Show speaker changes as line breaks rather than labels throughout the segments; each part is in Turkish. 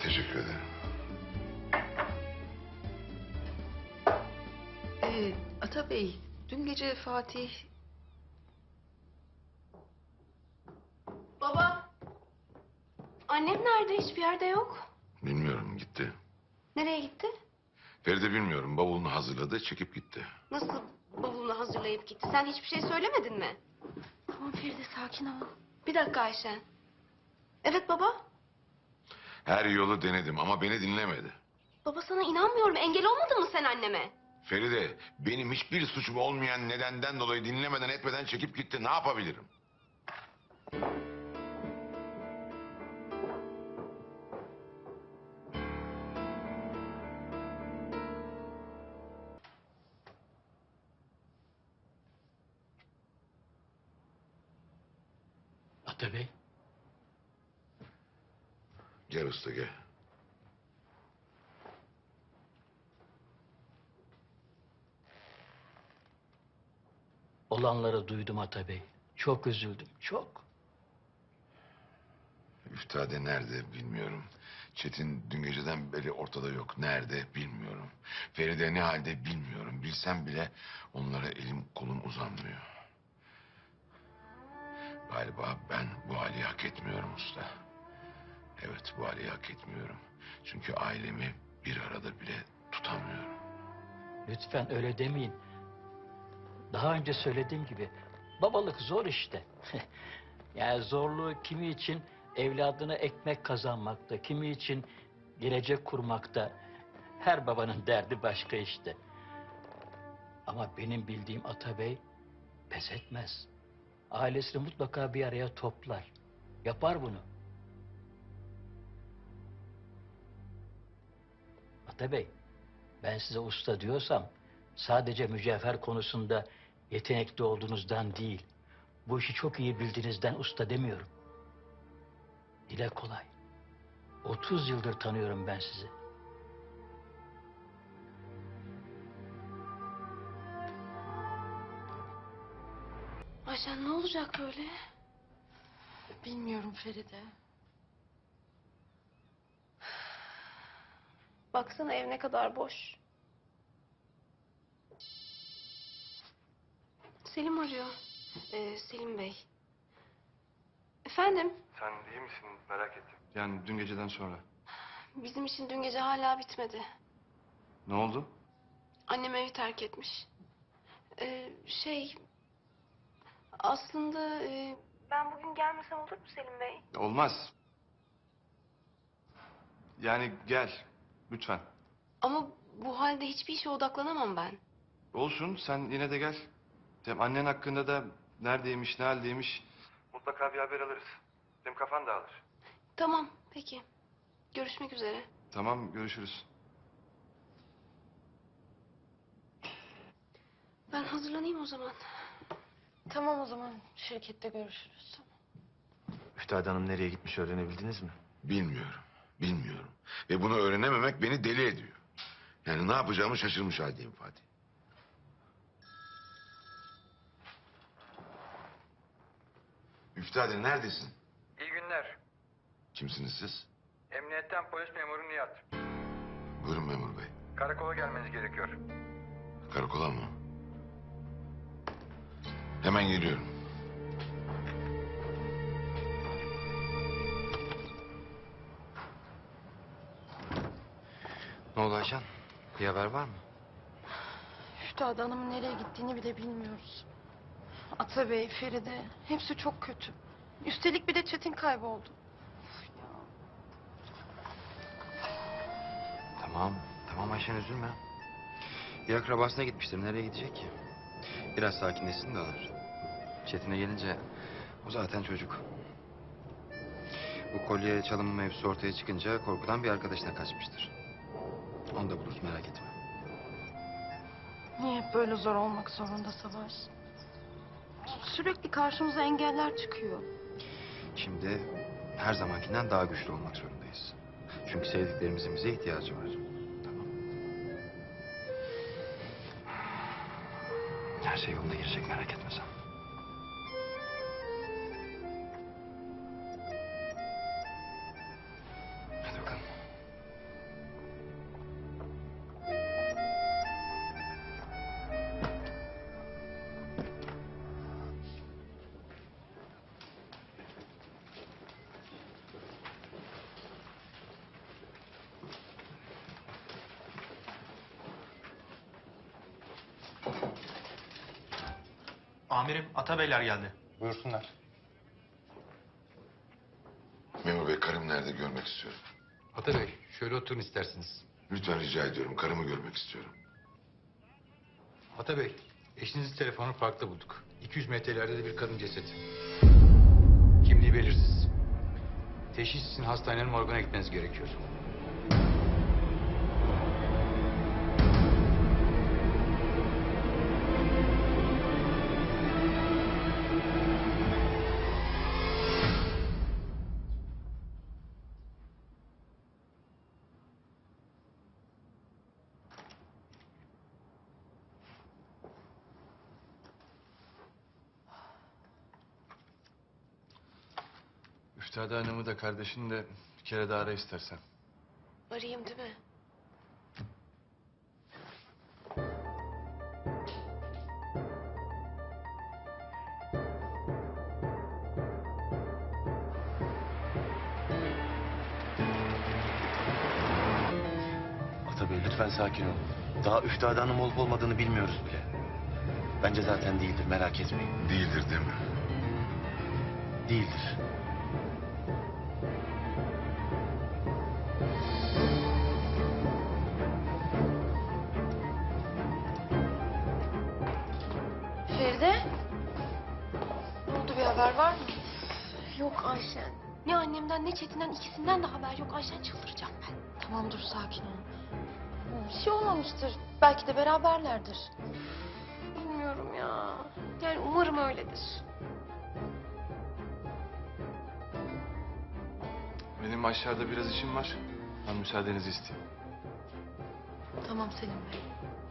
Teşekkür ederim.
Ata Bey, dün gece Fatih...
Baba, annem nerede? Hiçbir yerde yok.
Bilmiyorum, gitti.
Nereye gitti?
Feride bilmiyorum, bavulunu hazırladı, çekip gitti.
Nasıl bavulunu hazırlayıp gitti? Sen hiçbir şey söylemedin mi? Tamam Feride, sakin ol. Bir dakika Ayşen. Evet baba.
Her yolu denedim ama beni dinlemedi.
Baba sana inanmıyorum. Engel olmadın mı sen anneme?
Feride, benim hiçbir suçum olmayan nedenden dolayı dinlemeden etmeden çekip gitti. Ne yapabilirim?
Ata Bey,
Gel usta gel.
olanları duydum Ata Bey. Çok üzüldüm, çok.
Üftade nerede bilmiyorum. Çetin dün geceden beri ortada yok. Nerede bilmiyorum. Feride ne halde bilmiyorum. Bilsem bile onlara elim kolum uzanmıyor. Galiba ben bu hali hak etmiyorum usta. Evet, bu hali hak etmiyorum. Çünkü ailemi bir arada bile tutamıyorum.
Lütfen öyle demeyin. Daha önce söylediğim gibi babalık zor işte. Yani zorluğu kimi için evladına ekmek kazanmakta, kimi için gelecek kurmakta. Her babanın derdi başka işte. Ama benim bildiğim Ata Bey pes etmez. Ailesini mutlaka bir araya toplar. Yapar bunu. Ata Bey, ben size usta diyorsam sadece mücevher konusunda yetenekli olduğunuzdan değil, bu işi çok iyi bildiğinizden usta demiyorum. Dile kolay. 30 yıldır tanıyorum ben sizi.
Ayşen ne olacak böyle?
Bilmiyorum Feride.
Baksana ev ne kadar boş. Selim arıyor. Selim Bey. Efendim?
Sen iyi misin? Merak ettim. Yani dün geceden sonra.
Bizim için dün gece hala bitmedi.
Ne oldu?
Annem evi terk etmiş. Şey... Aslında... Ben bugün gelmesem olur mu Selim Bey?
Olmaz. Yani gel. Lütfen.
Ama bu halde hiçbir işe odaklanamam ben.
Olsun, sen yine de gel. Hem annen hakkında da neredeymiş, ne haldeymiş... Mutlaka bir haber alırız. Hem kafan dağılır.
Tamam, peki. Görüşmek üzere.
Tamam, görüşürüz.
Ben hazırlanayım o zaman.
Tamam o zaman şirkette görüşürüz.
Üftade Hanım nereye gitmiş öğrenebildiniz mi?
Bilmiyorum. Bilmiyorum. Ve bunu öğrenememek beni deli ediyor. Yani ne yapacağımı şaşırmış haldeyim Fatih. Üftade neredesin?
İyi günler.
Kimsiniz siz?
Emniyetten polis memuru Nihat.
Buyurun memur bey.
Karakola gelmeniz gerekiyor.
Karakola mı? Hemen geliyorum.
Ne oldu Ayşen? Bir haber var mı?
Üftade Hanım'ın nereye gittiğini bile bilmiyoruz. Ata Bey, Feride hepsi çok kötü. Üstelik bir de Çetin kayboldu.
Tamam Ayşen üzülme. Bir akrabasına gitmiştir. Nereye gidecek ki? Biraz sakinleşsin de alır. Çetin'e gelince o zaten çocuk. Bu kolye çalınma mevzusu ortaya çıkınca korkudan bir arkadaşına kaçmıştır. Onu da buluruz merak etme.
Niye hep böyle zor olmak zorunda Savaş? Sürekli karşımıza engeller çıkıyor.
Şimdi her zamankinden daha güçlü olmak zorundayız. Çünkü sevdiklerimizin bize ihtiyacı var. Tamam. Her şey yoluna girecek merak etme sen. Hadi bakalım.
Amirim, Atabeyler geldi.
Buyursunlar.
Memur bey karım nerede görmek istiyorum.
Atabey, şöyle oturun isterseniz.
Lütfen rica ediyorum karımı görmek istiyorum.
Atabey, eşinizin telefonu parkta bulduk. 200 metrelerde de bir kadın cesedi. Kimliği belirsiz. Teşhis için hastanenin morguna gitmeniz gerekiyor.
Üftade Hanım'ı da kardeşini de bir kere daha ara istersen.
Arayayım değil mi?
Atabey lütfen sakin ol. Daha Üftade Hanım olup olmadığını bilmiyoruz bile. Bence zaten değildir, merak etmeyin.
Değildir değil mi?
Değildir.
Feride? Ne oldu, bir haber var mı?
Yok Ayşen. Ne annemden ne Çetin'den ikisinden de haber yok. Ayşen çıldıracağım ben.
Tamam dur, sakin ol. Bir şey olmamıştır. Belki de beraberlerdir.
Bilmiyorum ya. Yani umarım öyledir.
Benim aşağıda biraz işim var. Ben müsaadenizi isteyeyim.
Tamam Selim Bey.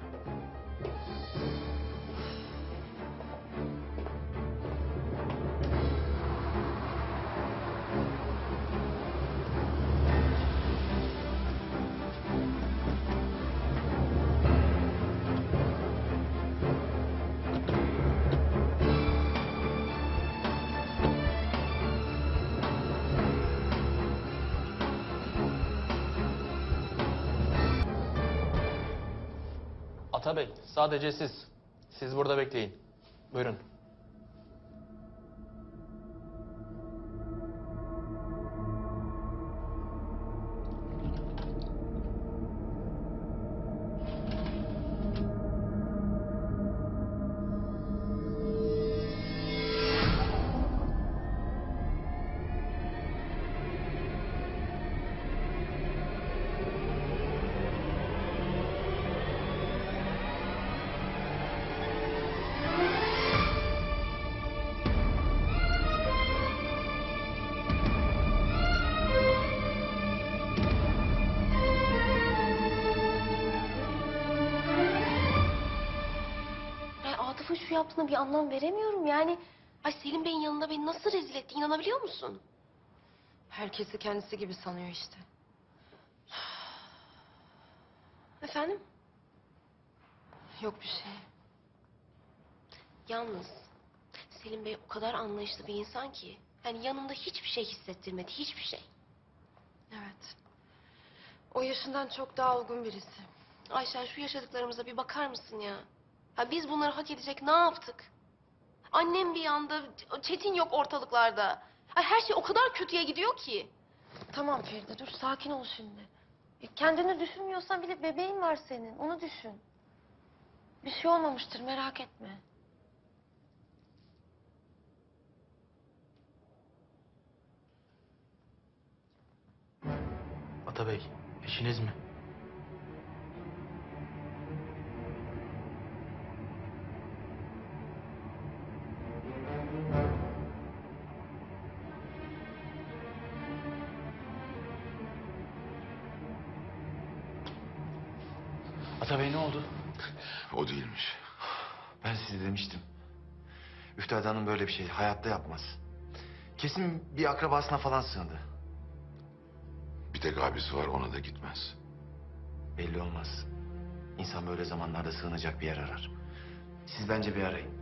Atabey, sadece siz. Siz burada bekleyin. Buyurun.
Atıf'ın şu yaptığına bir anlam veremiyorum yani. Ay Selim Bey'in yanında beni nasıl rezil etti, inanabiliyor musun?
Herkesi kendisi gibi sanıyor işte.
Efendim?
Yok bir şey.
Yalnız Selim Bey o kadar anlayışlı bir insan ki. Yani yanımda hiçbir şey hissettirmedi, hiçbir şey.
Evet. O yaşından çok daha olgun birisi.
Ayşen şu yaşadıklarımıza bir bakar mısın ya? Ha biz bunları hak edecek ne yaptık? Annem bir yanda, Çetin yok ortalıklarda. Ay her şey o kadar kötüye gidiyor ki.
Tamam Feride, dur sakin ol şimdi. Kendini düşünmüyorsan bile bebeğin var senin, onu düşün. Bir şey olmamıştır, merak etme.
Atabey, eşiniz mi?
Atabey ne oldu?
O değilmiş.
Ben size demiştim. Üftade Hanım böyle bir şey hayatta yapmaz. Kesin bir akrabasına falan sığındı.
Bir tek abisi var, ona da gitmez.
Belli olmaz. İnsan böyle zamanlarda sığınacak bir yer arar. Siz bence bir arayın.